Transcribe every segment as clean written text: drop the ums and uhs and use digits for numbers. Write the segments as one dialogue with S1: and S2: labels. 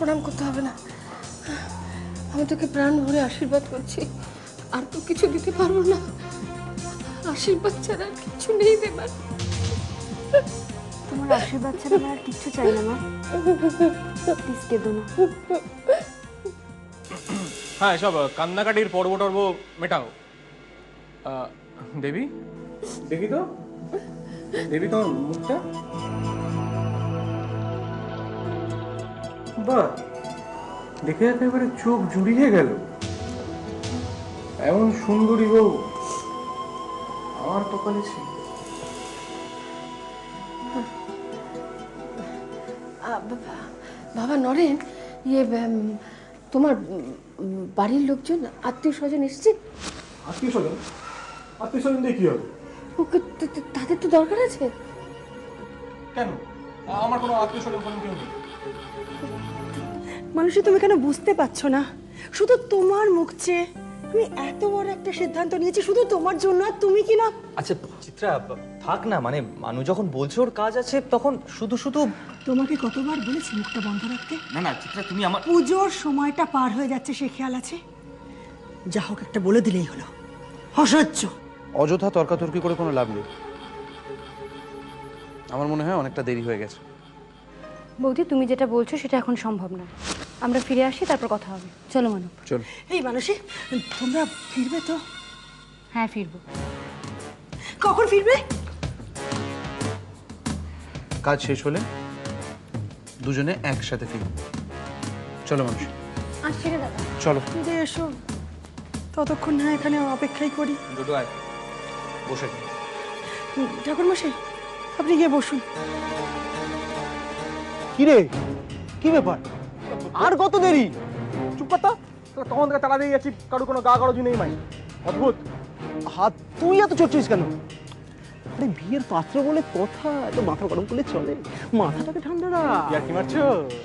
S1: প্রণাম করতে হবে না। আমি তোকে প্রাণ ভরে আশীর্বাদ করছি, আর তো কিছু দিতে পারবো না। আশীর্বাদ ছাড়া আর কিছু নেই দেবার।
S2: তোমার আশীর্বাদ ছাড়া আমার আর কিচ্ছু চাই না মা, প্লিজ কেঁদো না।
S3: হ্যাঁ, সব কান্নাকাটির পর্ব টর্ব মেটাও। দেবী, দেখি তো দেবী তোমার মুখটা। বাহ, দেখে একেবারে চোখ জুড়িয়ে গেল। এমন সুন্দরী বউ আমার কপালে ছিল।
S1: বাবা নরেন, তোমার বাড়ির লোকজন আত্মীয় স্বজন এসছে?
S3: আত্মীয় স্বজন? আত্মীয় স্বজন দিয়ে কি হবে?
S1: তাদের তো দরকার আছে।
S3: কেন? আমার কোনো আত্মীয় স্বজন কোনো কেউ নেই।
S4: মানুষই তুমি কেন বুঝতে পারছো না? শুধু তোমার মুখ চেয়ে আমি এত বড় একটা সিদ্ধান্ত নিয়েছি শুধু তোমার জন্য, আর তুমি কি না।
S5: আচ্ছা চিত্রা, থাক না, মানে মানু যখন বলছে ওর কাজ আছে তখন শুধু শুধু।
S4: তোমাকে কতবার বলেছি মুখটা বন্ধ রাখতে?
S5: না না চিত্রা, তুমি আমার
S4: পুজোর সময়টা পার হয়ে যাচ্ছে, সে খেয়াল আছে? যা হোক একটা বলে দিলেই হলো। অসহ্য।
S6: অযথা তর্কাতর্কি করে কোনো লাভ নেই। আমার মনে হয় অনেকটা দেরি হয়ে গেছে।
S2: বৌদি, তুমি যেটা বলছো সেটা এখন সম্ভব না। আমরা ফিরে আসি, তারপর কথা হবে। চলো মানব।
S6: চলো।
S4: এই মানুষই, তোমরা ফিরবে তো?
S2: হ্যাঁ, ফিরবো।
S4: কখন ফিরবে?
S6: কাজ শেষ হলে দুজনে একসাথে ফিরব। চলো মানুষ,
S2: আসছি রে দাদা।
S6: চলো।
S4: ফিরে এসো, ততক্ষণ না এখানে অপেক্ষাই করি।
S5: দুটো আয়, বসে নে।
S4: ঠাকুরমশাই, আপনি গিয়ে বসুন।
S7: কি রে, কি ব্যাপার? আর কত দেরি?
S3: চুপ করতো, তখন থেকে তাড়া দিয়ে যাচ্ছি, কারো কোনো গা গরজি নেই। মাই অদ্ভুত।
S7: হাত তুই এত চড়ছিস কেন? আরে বিয়ের পাত্র বলে কথা, এত মাথা গরম করলে চলে? মাথাটাকে ঠান্ডা রাখ।
S3: ইয়ার কি মারছো?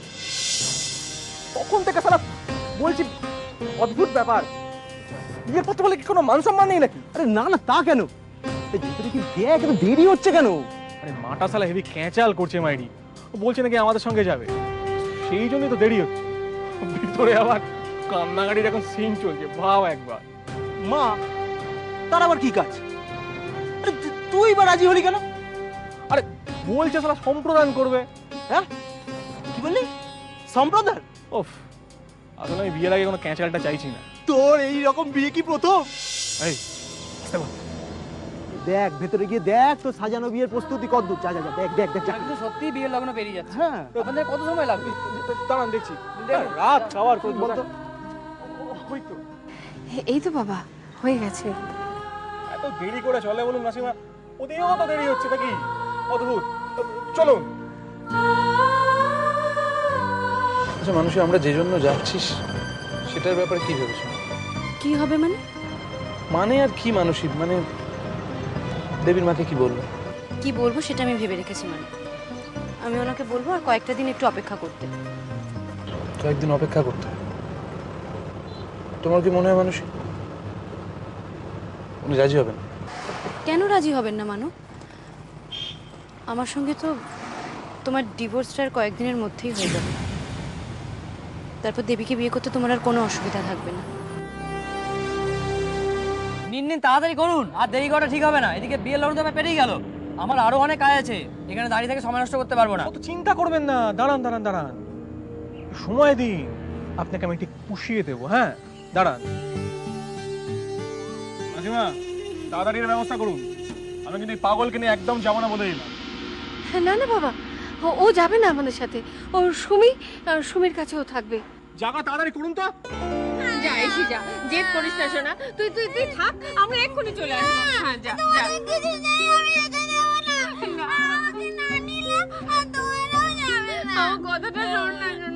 S3: তখন থেকে সারা বলছি অদ্ভুত ব্যাপার। বিয়ের পত্র বলে কি কোনো মান সম্মান নেই নাকি?
S7: আরে না না, তা কেন? এই ভিতরে কি দেখ, এত দেরি হচ্ছে কেন?
S3: আরে মাটা সালা হেভি ক্যাঁচাল করছে মাইরি। ও বলছে নাকি আমাদের সঙ্গে যাবে, সেই জন্যই তো দেরি হচ্ছে। ভিতরে আবার কান্নাকাটির এখন সিন চলছে, ভাব একবার।
S7: মা, তার আবার কি কাজ? আরে তুই বা রাজি হলি কেন?
S3: আরে বলছে সালা সম্প্রদান করবে।
S7: হ্যাঁ, কি বললি? সম্প্রদান?
S3: ওফ, আসলে আমি বিয়ের আগে কোনো ক্যাঁচালটা চাইছি না।
S7: তোর এই রকম বিয়ে কি প্রথম?
S3: এই আসতে বল।
S7: দেখ ভেতরে গিয়ে দেখ তো সাজানো বিয়ের প্রস্তুতি কতদূর। যা যা যা, দেখ দেখ দেখ যা।
S8: কিন্তু সত্যি বিয়ের লগ্ন পেরিয়ে যাচ্ছে।
S7: হ্যাঁ,
S8: আপনাদের কত সময় লাগবে?
S3: দাঁড়ান দেখছি। রাত খাওয়ার কোন
S7: বলতো।
S3: ওই তো
S1: এই তো বাবা, হয়ে গেছে।
S3: এত দেরি করে চলে বলুন মাসিমা, ওদেরও তো দেরি হচ্ছে নাকি? অদ্ভুত। চলো।
S6: আচ্ছা মানুষ, আমরা যে জন্য যাচ্ছিস সেটার ব্যাপারে কি ভেবেছো?
S2: কি হবে মানে?
S6: মানে আর কি মানসিক, মানে দেবীর মাকে কি বলবো?
S2: কি বলবো সেটা আমি ভেবে রেখেছি। মানে আমি ওনাকে বলবো আর কয়েকটা দিন একটু অপেক্ষা করতে।
S6: কয়েকদিন অপেক্ষা করতে? তোমার কি মনে হয় মানুষ উনি রাজি হবেন?
S2: কেন রাজি হবেন না মানু? আমার সঙ্গে তো তোমার ডিভোর্সটার কয়েকদিনের মধ্যেই হয়ে যাবে। তারপর দেবীকে বিয়ে করতে তোমার আর কোনো অসুবিধা থাকবে না।
S8: নিন নিন, তাড়াতাড়ি করুন, আর দেরি করা ঠিক হবে না। এদিকে বিয়ের লগ্ন তো পেরিয়ে গেল, আমার আরো অনেক কাজ আছে। এখানে দাঁড়িয়ে থেকে সময় নষ্ট করতে পারবো না।
S3: অত চিন্তা করবেন না, দাঁড়ান দাঁড়ান দাঁড়ান, সময় দিন, আপনাকে আমি ঠিক পুষিয়ে দেবো। হ্যাঁ দাঁড়ান। মাসিমা, তাড়াতাড়ি ব্যবস্থা করুন, আমি কিন্তু এই পাগলকে নিয়ে একদম যাবো না বলে দিলাম।
S1: না না বাবা, ও যাবে না আমাদের সাথে। ও সুমির কাছেও থাকবে।
S3: জায়গা তাড়াতাড়ি করুন তো।
S1: যা এসে যা, জেদ করিস না শোনা। তুই তুই তুই থাক, আমরা এক্ষুনি চলে আসবো। হ্যাঁ যা যা। আমার কথাটা শোন না।